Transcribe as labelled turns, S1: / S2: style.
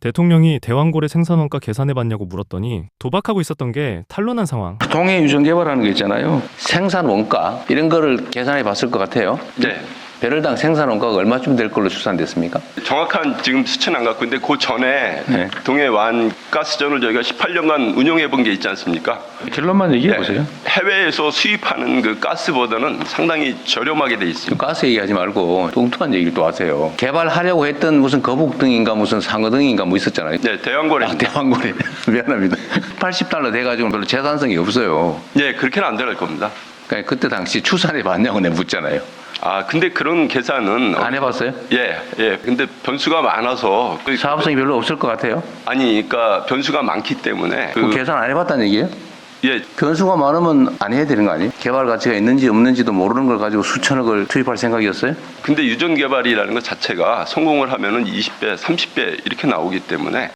S1: 대통령이 대왕고래 생산원가 계산해봤냐고 물었더니 도박하고 있었던 게 탄로난 상황.
S2: 동해 유전 개발하는 거 있잖아요. 생산 원가 이런 거를 계산해 봤을 것 같아요.
S3: 네.
S2: 배럴당 생산 원가가 얼마쯤 될 걸로 추산됐습니까?
S3: 정확한 지금 수치는 안 갖고 있는데 그 전에
S2: 네.
S3: 동해 완 가스전을 저희가 18년간 운영해 본 게 있지 않습니까?
S2: 결론만 얘기해 보세요.
S3: 해외에서 수입하는 그 가스보다는 상당히 저렴하게 돼 있습니다.
S2: 가스 얘기하지 말고 뚱뚱한 얘기를 또 하세요. 개발하려고 했던 무슨 거북등인가 무슨 상어등인가 뭐 있었잖아요.
S3: 네, 대왕고래.
S2: 대왕고래. 미안합니다. 80달러 돼가지고 별로 재산성이 없어요.
S3: 네, 그렇게는 안 들어갈 겁니다.
S2: 그러니까 그때 당시 추산해 봤냐고 내가 묻잖아요.
S3: 아, 근데 그런 계산은
S2: 안 해봤어요?
S3: 예. 근데 변수가 많아서
S2: 사업성이 별로 없을 것 같아요.
S3: 아니, 그러니까 변수가 많기 때문에
S2: 그 계산 안 해봤다는 얘기예요?
S3: 예,
S2: 변수가 많으면 안 해야 되는 거 아니에요? 개발 가치가 있는지 없는지도 모르는 걸 가지고 수천억을 투입할 생각이었어요?
S3: 근데 유전 개발이라는 것 자체가 성공을 하면은 20배, 30배 이렇게 나오기 때문에